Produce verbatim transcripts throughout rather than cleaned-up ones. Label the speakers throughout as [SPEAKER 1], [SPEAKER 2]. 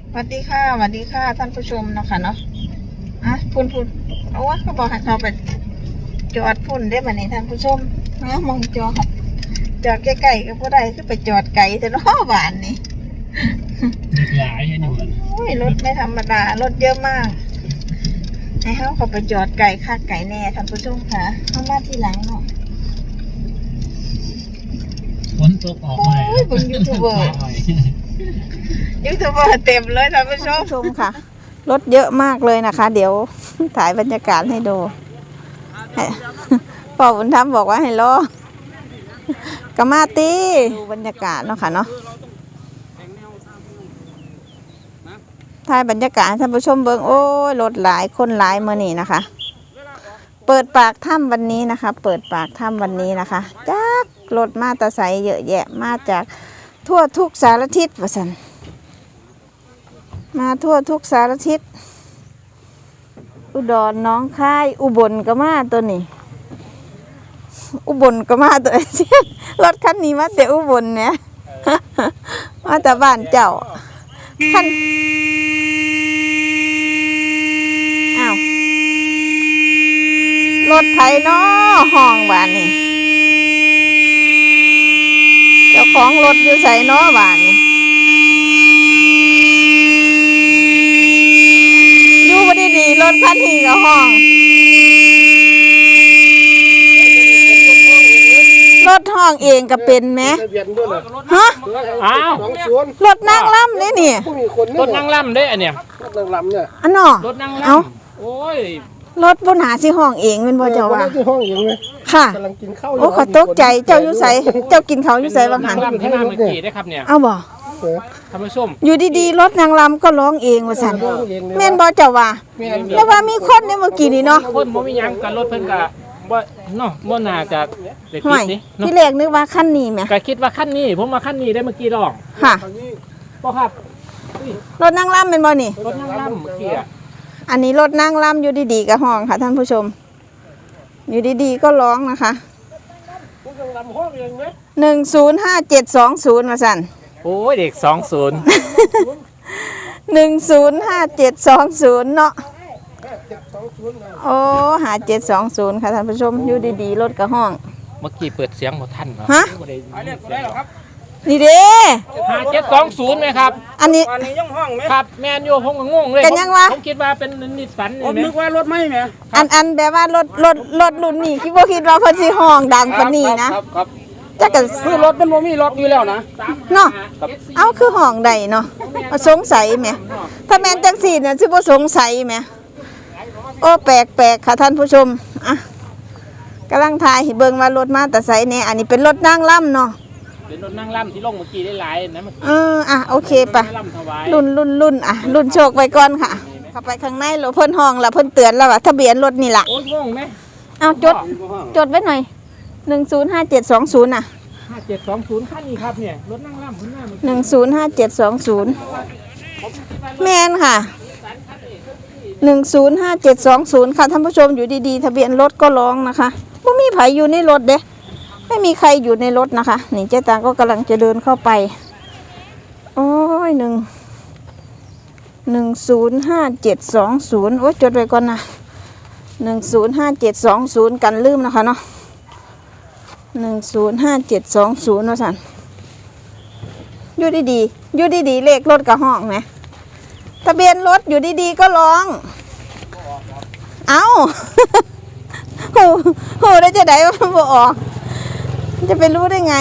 [SPEAKER 1] สวัสดีค่ะสวัสดีค่ะท่านผู้ชมเนาะค่ะเนาะอ่ะพุ่นพุ่นเอาวะเขาบอกให้เขาไปจอดพุ่นได้ไหมนี่ท่านผู้ชมนะมองจอดจอดใกล้ๆก็บ่ได้คือไปจอดไกลแต่เนาะบ้านนี่
[SPEAKER 2] หลายเห็นอยู่
[SPEAKER 1] โอ้ยรถไม่ธรรมดารถเยอะมากให้เขาเขาไปจอดไกลค่าไก่แน่ท่านผู้ชมค่ะเข้ามาที่หลังเนาะ
[SPEAKER 2] ฝนตกออกเลย
[SPEAKER 1] โอ้ยเบิ่งยูทูบเบอร์ยูทูบเบอร์เต็มเลยท่านผู้ชมชมค่ะรถเยอะมากเลยนะคะเดี๋ยวถ่ายบรรยากาศให้ดูพ่อบุญธรรมบอกว่าให้รอกะมาตีดูบรรยากาศเนาะค่ะเนาะถ่ายบรรยากาศท่านผู้ชมเบิ่งโอ้ยรถหลายคนหลายเมื่อนี้นะคะเปิดปากถ้ำวันนี้นะคะเปิดปากถ้ำวันนี้นะคะจากรถมาตาใสเยอะแยะมาจากทั่วทุกสารทิศว่าซั่นมาทั่วทุกสารทิศอุดรน้องคายอุบลก็มาตัวนี้อุบลก็มาตัวนี้รถคันนี้มาแต่อุบลเนี่ยมาแต่บ้านเจ้าคันอ้าวรถไถเนาะห้องบ้านนี่เจ้าของรถอยู่ใส่เนาะบ้านนี่อยู่บ่ได้ดีรถคันนี้ก็ห้องรถห้องเองก็เป็นไหมฮะ
[SPEAKER 2] อ้าว
[SPEAKER 1] รถนั่งล่ำนี่นี่
[SPEAKER 2] รถนั่งล่ำได้อันเนี้ย
[SPEAKER 3] รถนั่งล่ำเนี่ย
[SPEAKER 1] อันเนาะ
[SPEAKER 2] รถนั่งล่ำโอ้ย
[SPEAKER 1] รถบนหาสิห้องเองเป็นบ่เจ้าว่า
[SPEAKER 3] ที่ห้องเองเลย
[SPEAKER 1] ค่ะ
[SPEAKER 3] กำลังกินข้าว
[SPEAKER 1] โอ้ขอตกใจเจ้าอยู่ไสเจ้ากินเขาอยู่ไสบางหัน
[SPEAKER 2] นั่งล่ำที่มาเมื่อกี้ได้ครับเนี่ย
[SPEAKER 1] เอาบ่
[SPEAKER 2] ท่านผู้ชม
[SPEAKER 1] อยู่ดีๆรถนางลำก็ร้องเองว่าซั่นแม่นบ่เจ้าว่าแล้วว่ามีคนในเมื่อกี้นี่เนาะ
[SPEAKER 2] คนบ่มีหยังกันรถเพิ่นก็บ่เนาะบ่น่าจะได้คิดนี่
[SPEAKER 1] ที่แรกนึกว่าคันนี้แหม
[SPEAKER 2] ก็คิดว่าคันนี้ผมว่าคันนี้ได้เมื่อกี้ร้อง
[SPEAKER 1] ค่ะ
[SPEAKER 2] บ่ครับ
[SPEAKER 1] รถนางลำเป็นบ่นี่
[SPEAKER 2] รถนั่งล่ำเมื่อกี้อ่ะ
[SPEAKER 1] อันนี้รถนางลำอยู่ดีๆก็ห้องค่ะท่านผู้ชมอยู่ดีๆก็ร้องนะคะหนึ่งศูนย์ห้าเจ็ดสองศูนย์มาสั่น
[SPEAKER 2] โอ้ยเด็กสองศูนย์
[SPEAKER 1] หนึ่งศูนย์ห้าเจ็ดสองศูนย์เนาะโอ้หาเจ็ดสองศูนย์ค่ะท่านผู้ชมอยู่ดีๆรถกระห้อง
[SPEAKER 2] เมื่อกี้เปิดเสียงบ่ทันเหรอ
[SPEAKER 1] ฮะนี่เด้
[SPEAKER 2] ห้าเจ็ดสองศูนย์ไหมครับ
[SPEAKER 1] อันนี้
[SPEAKER 3] อันนี้ย่องห้องไหม
[SPEAKER 2] ครับแมนยูผมก็งงเลย
[SPEAKER 1] กันยังวะ
[SPEAKER 2] ผมคิดว่าเป็นนิสสัน
[SPEAKER 3] ผมนึกว่ารถไม่ไหม
[SPEAKER 1] อันอันแบบว่ารถรถรถรุ่นนี้คิดว่าคิดว่าเพิ่นสิห้องดังปานนี้นะครับ
[SPEAKER 3] ครับ
[SPEAKER 1] จักก็
[SPEAKER 3] ซื้อรถมันบ่มีล็อกอยู่แล้วนะ
[SPEAKER 1] เนาะเอาคือห้องใดเนาะสงสัยแหมถ้าแม่นจังซี่เนี่ยสิบ่สงสัยแหมโอ้แปลกๆค่ะท่านผู้ชมอ่ะกำลังถ่ายให้เบิ่งว่ารถมาแต่ไสแน่อันนี้เป็นรถนางล่ำเนาะ
[SPEAKER 2] เป็นรถนั่งล่ำที่ลงเมื่อกี้ได้หลายนะ
[SPEAKER 1] เอออ่ะโอเคป่ะรุ่นรุ่นรุ่นอ่ะรุ่นโชคไปก่อนค่ะเข้าไปข้างในรถเพิ่นห้องแล้วเพิ่นเตือนแล้วว่าทะเบียนรถนี่ล่ะ
[SPEAKER 2] โอ้ยงงไหม
[SPEAKER 1] เอาจดจดไว้หน่อยหนึ่งศูนย์ห้าเจ็ดสองศูนย์น่ะ
[SPEAKER 2] ห้าเจ็ดสองศูนย์คันนี้ครับเนี่ยรถนั่งล่ำคุณหน้า
[SPEAKER 1] หนึ่งศูนย์ห้าเจ็ดสองศูนย์แมนค่ะหนึ่งศูนย์ห้าเจ็ดสองศูนย์ค่ะท่านผู้ชมอยู่ดีๆทะเบียนรถก็ร้องนะคะไม่มีไผอยู่ในรถเด้ไม่มีใครอยู่ในรถนะคะนี่เจ๊ตาก็กำลังจะเดินเข้าไปโอ้ยหนึ่งหนึ่งศูนย์ห้าเจ็ดสองศูนย์โอ้ยจดไว้ก่อนนะหนึ่งศูนย์ห้าเจ็ดสองศูนย์กันลืมนะคะเนาะหนึ่งศูนย์ห้าเจ็ดสองศูนย์ว่าสันอยู่ดีๆอยู่ดีๆเลขรถกับห้องไหมทะเบียนรถอยู่ดีๆก็ร้องเอ้าโหโหได้จะได้ว่ามันบ่ออกจะไปรู้ได้ไง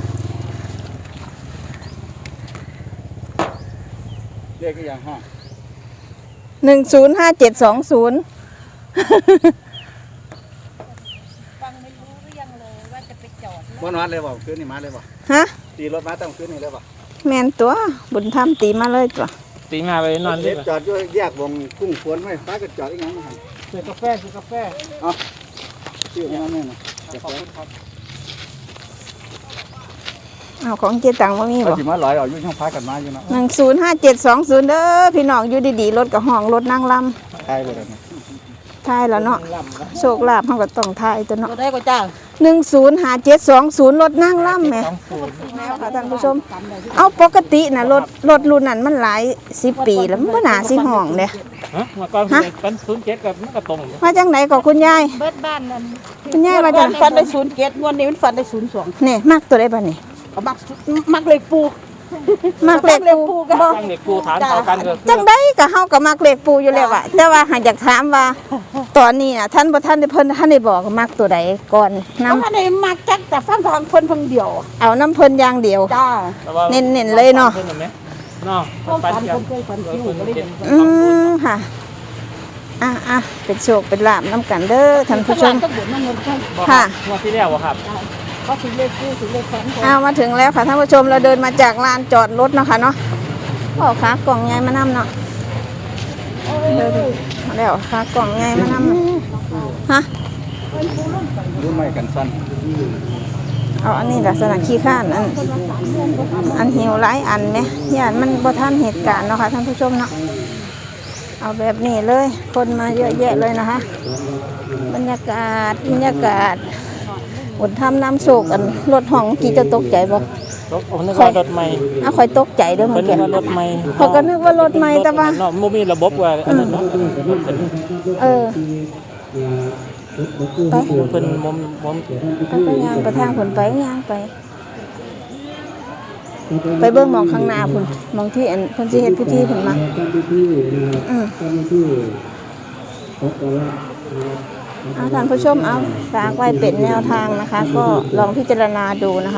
[SPEAKER 3] เรียกอย่างห้อง
[SPEAKER 1] หนึ่งศูนย์ห้าเจ็ดสองศูนย์
[SPEAKER 4] ฟังไม่รู้หรือยังเลยว่าจะไปจอด
[SPEAKER 3] บนวัดเลยบ่คืนนี้มาเลยบ่
[SPEAKER 1] ฮะ
[SPEAKER 3] ตีรถมาต้องคืนนี้เลยบ่
[SPEAKER 1] แมนตัวบุญธรรมตีมาเลยตัว
[SPEAKER 2] ตีมาไปนอนเลย
[SPEAKER 3] จอดอยู่แยกวงกุ้งขวนไว้ฟ้าก็จอดอีกอย่างนึง
[SPEAKER 2] ซื้อกาแฟซื้อกาแฟ
[SPEAKER 3] เอาซื้อมาแม่น่ะขอบคุณครับ
[SPEAKER 1] เอาของเจตังว่ามีบ่
[SPEAKER 3] สิมาลอยเอาอยู่ช่องฟ้ากันมาอยู่เนาะ
[SPEAKER 1] หนึ่งศูนย์ห้าเจ็ดสองศูนย์เด้อพี่น้องอยู่ดีๆรถกับห้องรถนั่งลำ
[SPEAKER 3] ใช่บ่ได้
[SPEAKER 1] ทายแล้วเนาะโชคลาภเฮาก็ต้องทายตัวเนาะ
[SPEAKER 3] ได้ก็จ้า
[SPEAKER 1] หนึ่งศูนย์ห้าเจ็ดสองศูนย์รถนั่งล่ำแหมแล้วค่ะท่านผู้ชม เอาปกตินะรถรถรุ่นนั้นมันหลายสิบปีแล้วมันบ่น่าสิห้องเด้
[SPEAKER 2] ฮะมาก่อนเป็นศูนย์เจ็ดกับมันก็ตรง
[SPEAKER 1] มาจังไหนก็คุณยาย
[SPEAKER 4] เบิดบ้านนั่น
[SPEAKER 1] คุณยายมาจัง
[SPEAKER 3] ฟันได้ศูนย์เกตงวดนี้มันฟันได้ศูนย์สอง
[SPEAKER 1] นี่มักตัวได้บ่นี่
[SPEAKER 3] เอามักมักเลยปู
[SPEAKER 1] มักเลขปู
[SPEAKER 3] กัน
[SPEAKER 1] บ่
[SPEAKER 2] ตั้งเด็กกูฐานเท่ากันก็
[SPEAKER 1] จังไดก็เฮาก็มักเลขปูอยู่แล้วอะแต่ว่าหากอยากถามว่า ตอนนี้น่ะท่านบ่ท่านได้เพิ่นท่านได้บอกมักตัวใดก่อนนำ
[SPEAKER 3] เพราะว่าในมักจักแต่ฟังทางเพิ่นเพิ่งเดียว
[SPEAKER 1] เอาน้ำเพิ่นอย่างเดียว
[SPEAKER 3] จ้า
[SPEAKER 1] เน้นๆเลยเนาะ
[SPEAKER 2] เนาะ
[SPEAKER 3] ความ
[SPEAKER 2] ปัน
[SPEAKER 3] ฝัน
[SPEAKER 2] กั
[SPEAKER 3] ผ
[SPEAKER 2] น
[SPEAKER 3] มเคยฝันคิวก็เลย
[SPEAKER 1] อืมค่ะอ่ะอ่ะเป็นโชคเป็นลาภนํกันเด้อท่านผู้ชม
[SPEAKER 3] ก็บ่นนั่งเงินกัน
[SPEAKER 1] ค่ะ
[SPEAKER 2] งวดที่แล้วครับ
[SPEAKER 3] เขาถึงเลขคู่ถึงเลขฝัน
[SPEAKER 1] เอามาถึงแล้วค่ะท่านผู้ชมเราเดินมาจากลานจอดรถเนาะค่ะเนาะพ่อค้ากล่องใหญ่มานํเนาะเดินมาแล้วค้ากล่องใหญ่มานํฮะ
[SPEAKER 3] รู้ไหมกันสั้น
[SPEAKER 1] เอาอันนี้ลักษณะขี้ข้านอันอันหิวหลายอันไหมย่านมันบ่ทันเหตุการณ์เนาะค่ะท่านผู้ชมเนาะเอาแบบนี้เลย คนมาเยอะแยะเลยนะคะบรรยากาศบรรยากาศอดทำน้ำโศกอันรถห้องกี่จะตกใจบ่
[SPEAKER 2] รถผมนึกว่ารถใหม่
[SPEAKER 1] เอาค่อยตกใจเด้อ
[SPEAKER 2] เพิ่
[SPEAKER 1] เมื่อน
[SPEAKER 2] นึ
[SPEAKER 1] กี้
[SPEAKER 2] กว่ารถใหม่
[SPEAKER 1] เขาก็นึกว่ารถใหม่แต่ว่า
[SPEAKER 2] เนาะบ่มีระบบว่าอันนั้นเนาะ
[SPEAKER 1] เออไป
[SPEAKER 2] เพิ่นมอมมอม
[SPEAKER 1] ไปไปย่างไปทางผลไปย่างไป ไปเบิ่งหมองข้างหน้าพุ่นหมองที่อันเพิ่นสิเฮ็ดพิธีพุ่นมาอืมเอาท่านผู้ชมเอาฝากไว้เป็นแนวทางนะคะ ก็ลองพิจารณาดูนะคะ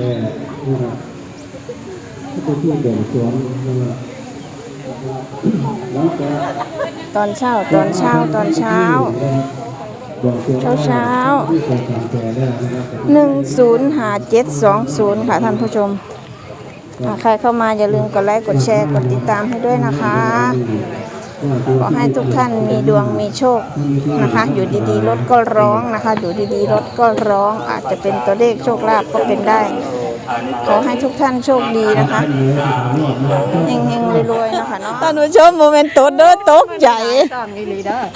[SPEAKER 1] ตอนเช้าตอนเช้าตอนเช้า เช้าเช้าหนึ่งศูนย์ห้าเจ็ดสองศูนย์ค่ะท่านผู้ชมอ่าใครเข้ามาอย่าลืมกดไลค์กดแชร์กดติดตามให้ด้วยนะคะ ขอให้ทุกท่านมีดวงมีโชคนะคะ อยู่ดีๆรถก็ร้องนะคะ อยู่ดีๆรถก็ร้องอาจจะเป็นตัวเลขโชคลาภก็เป็นได้ ขอให้ทุกท่านโชคดีนะคะเฮงๆรวยๆนะคะเนาะท่านผู้ชมโมเมนต์ตดเด้อตกใจ
[SPEAKER 3] ต้องนี่ลีเด้อ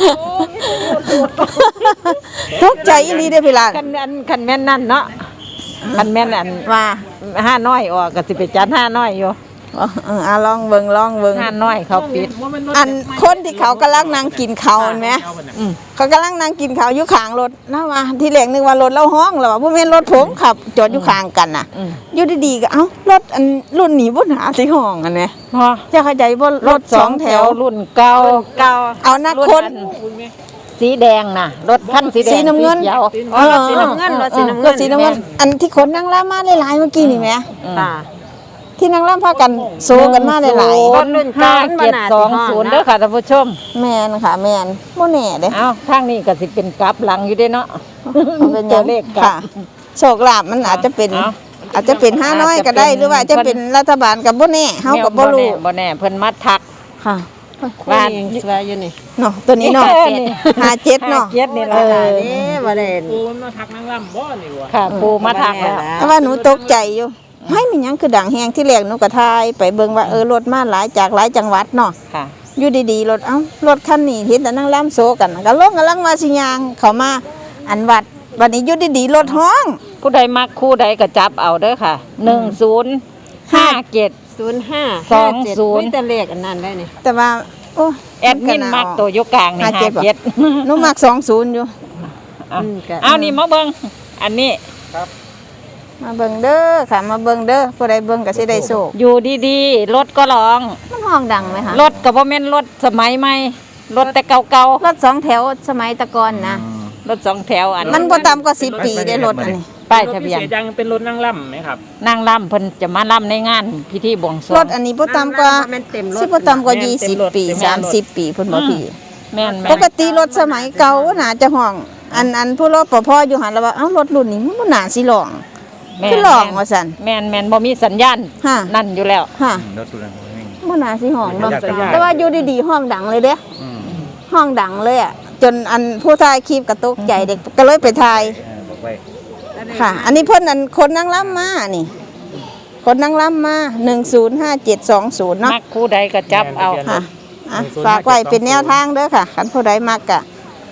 [SPEAKER 1] ตกใจอีหลีเด้อพี่หลาน
[SPEAKER 5] คันแม่นคันแม่นนั่นเนาะคันแม่นอัน
[SPEAKER 1] ว่า
[SPEAKER 5] ห้าน้อยออกก็สิไปจัดห้าน้อยอยู่
[SPEAKER 1] อ๋อเอออ่ะลองเบิ่งลองเบิ่ง
[SPEAKER 5] ห้าน้อยเขาปิด
[SPEAKER 1] อันคนที่เขากำลังนั่งกินข้าวเห็นไหม
[SPEAKER 5] อืม
[SPEAKER 1] เขากำลังนั่งกินข้าวอยู่ข้างรถนะว่าที่แรกนึกว่ารถเราห้องแล้วว่าบ่แม่นรถผมขับ จอดอยู่ข้างกันน่ะ
[SPEAKER 5] อืม
[SPEAKER 1] อยู่ดีๆก็เอ้ารถอันรุ่นนี้บ่หาสิห้องอันเนี้ย
[SPEAKER 5] พอ
[SPEAKER 1] จะเข้าใจบ่รถสองแถว
[SPEAKER 5] รุ่นเก่าเก่า
[SPEAKER 1] เอานักคน
[SPEAKER 5] สีแดงน่ะรถคันสีแดง
[SPEAKER 1] สีน้ำเงิน
[SPEAKER 5] ขียว
[SPEAKER 1] เออสีน้ำเงินรถสีน้ำเงินรถสีน้ำเงินอันที่คนนั่งล่ามาหลายๆเมื่อกี้นี่แหม
[SPEAKER 5] อ่า
[SPEAKER 1] ที่นั่งล่าพากันโซกันมาหลาย
[SPEAKER 5] รถรุ่นห้าเจ็ดสองศูนย์เด้อค่ะท่านผู้ชม
[SPEAKER 1] ๆแม่นค่ะแม่นบ่แน่เด้
[SPEAKER 5] เอ้าทางนี้ก็สิเป็นกลับหลังอยู่เด้เนาะ
[SPEAKER 1] เอาเป็นห
[SPEAKER 5] ตั
[SPEAKER 1] ยั
[SPEAKER 5] ว
[SPEAKER 1] ง
[SPEAKER 5] เลขกลั
[SPEAKER 1] ค่ะ
[SPEAKER 5] บ
[SPEAKER 1] โชคลาภมันอาจจะเป็น
[SPEAKER 5] เอา
[SPEAKER 1] อาจจะเป็นห้าน้อยก็ได้
[SPEAKER 5] อาจจะเป็น
[SPEAKER 1] หรือว่าจะเป็นรัฐบาลกับบ่แน่เฮากับบ่รู้
[SPEAKER 5] แน่บ่แน่เพิ่นมาทัก
[SPEAKER 1] ค่ะ
[SPEAKER 5] ว่า
[SPEAKER 3] สวยอยู่นี่
[SPEAKER 1] เนาะตัวนี้เนาะ
[SPEAKER 5] เออนี่
[SPEAKER 1] ห้าเจ็ดเนาะ
[SPEAKER 5] ห้าเจ็ดนี่
[SPEAKER 1] เอ
[SPEAKER 5] ล่ะ
[SPEAKER 1] อ
[SPEAKER 3] นี่บ่ได้
[SPEAKER 2] ปูมันมาทักนางลำบ่นี่วะ
[SPEAKER 5] ค่ะปูมาทักแล้ว
[SPEAKER 1] แต่ว่าหนูตกใจอยู่ไม่มีหยังคือดังแฮงที่แรกหนูก็ทายไปเบิ่งว่าเออรถมาหลายจากหลายจังหวัดเนาะ
[SPEAKER 5] ค่ะ
[SPEAKER 1] อยู่ดีๆรถเอ้ารถคันนี้เห็นแต่นั่งล่ำโซกันก็ลงกำลังมาสิยางเข้ามาอันวัดวันนี้อยู่ดีๆรถห้อง
[SPEAKER 5] ผู้ใดมักคู่ใดก็จับเอาเด้อค่ะหนึ่งศูนย์ห้าเจ็ด
[SPEAKER 3] ศูนย์ห้า
[SPEAKER 5] สองศูนย์
[SPEAKER 3] มีแต่เลขอันนั้นได้นี่
[SPEAKER 1] แต่ว่าโอ้
[SPEAKER 5] แอดมินมักตัวยกกลางนี่
[SPEAKER 1] ห้า
[SPEAKER 5] ห้า
[SPEAKER 1] เจ็ดบ่
[SPEAKER 5] เจ็ด
[SPEAKER 1] หนูมักสองศูนย์อยู่
[SPEAKER 5] เอาเอานี่มาเบิ่งอันนี้
[SPEAKER 1] มาเบิ่งเด้อค่ะมาเบิ่งเด้อผู้ใดเบิ่งก็สิได้โชค
[SPEAKER 5] อยู่ดีๆรถก็ร้อง
[SPEAKER 1] มันห้องดังไหมคะ
[SPEAKER 5] รถก็บ่แม่นรถสมัยใหม่รถแต่เก่าร
[SPEAKER 1] ถสองแถวสมัยตะกอนนะ
[SPEAKER 5] ๆรถสองแถวอัน
[SPEAKER 1] มันบ่ต่ำกว่าสิบปีได้รถอันนี้
[SPEAKER 5] ป้ายทะเบียน
[SPEAKER 2] รถพิศษยังเป็นรถนางลำไหมครับ
[SPEAKER 5] นางล่ำเพิ่นจะมาล่ำในงานพิธีบวงสรวง
[SPEAKER 1] รถอันนี้บ่ต่ำกว่า
[SPEAKER 3] แม่นเต็มรถ
[SPEAKER 1] สิบ่ต่ำกว่ายี่สิบปีสามสิบปีเพิ่นบ่พี่
[SPEAKER 5] แม่นแม่
[SPEAKER 1] ป
[SPEAKER 5] น
[SPEAKER 1] กติรถสมัยเก่าน่าจะห้อง อันอันผู้รถปภอยู่หันแล้วว่าเอ้ารถรุ่นนี้มันบ่น่าสิร้อง
[SPEAKER 5] แม่น
[SPEAKER 1] คือร้องว่าซั่น
[SPEAKER 5] แม่นแม่นบ่มีสัญญาณ
[SPEAKER 1] ฮะ
[SPEAKER 5] นั่นอยู่แล้ว
[SPEAKER 1] ฮะ
[SPEAKER 3] รถตัวนั้น
[SPEAKER 1] บ่น่าสิห้องเนาะ
[SPEAKER 2] สัญญาณ
[SPEAKER 1] แต่ว่าอยู่ดีๆห้องดังเลยเด้ห้องดังเลยอ่ะจนอันผู้ถ่ายคลิปก็ตกใจเด็กก็เลยไปถ่าย
[SPEAKER 3] บอกไว้
[SPEAKER 1] ค่ะ อันนี้เพิ่นอันคนนั่งล่ำมานี่ คนนั่งล่ำมาหนึ่งศูนย์ห้าเจ็ดสองศูนย์เนาะ
[SPEAKER 5] มักคู่ใดก็จับเอา
[SPEAKER 1] ค่ะอ่ะฝากไว้เป็นแนวทางเด้อค่ะคันผู้ใดมักกะ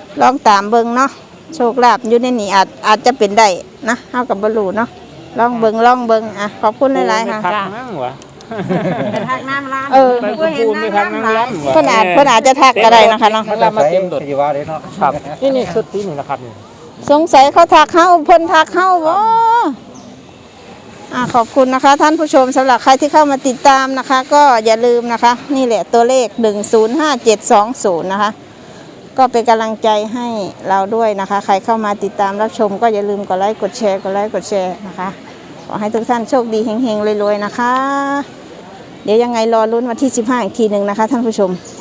[SPEAKER 1] ลองตามเบิ่งเนาะโชคลาภอยู่ในนี้อาจอาจจะเป็นได้นะเฮากับบรูเนาะลองเบิ่งลองเบิ่งอ่ะขอบคุณหลายๆค่ะ
[SPEAKER 2] ทักนั่งวะ
[SPEAKER 4] เป็นทักน้ำร้าน
[SPEAKER 1] เออ
[SPEAKER 2] ไปกับปูนไปทักนั่งล้ำวะ
[SPEAKER 1] เพิ่นอาจเพิ่นอาจจะทักก็ได้นะคะเนาะ
[SPEAKER 2] นั่งล้ำมาเต็มโดด
[SPEAKER 3] ปฏิวัติเนาะ
[SPEAKER 2] ครับนี่นี่ชุดที่นี่นะครับนี่
[SPEAKER 1] สงสัยเขาทักเฮาเพิ่นทักเฮาบ่อ่ะขอบคุณนะคะ ท่านผู้ชมสำหรับใครที่เข้ามาติดตามนะคะ ก็อย่าลืมนะคะ นี่แหละตัวเลขหนึ่งศูนย์ห้าเจ็ดสองศูนย์นะคะ ก็เป็นกำลังใจให้เราด้วยนะคะ ใครเข้ามาติดตามรับชมก็อย่าลืมกดไลค์กดแชร์กดไลค์กดแชร์นะคะ ขอให้ทุกท่านโชคดีเฮงๆรวยๆนะคะ เดี๋ยวยังไงรอลุ้นวันที่สิบห้าอีกทีหนึ่งนะคะท่านผู้ชม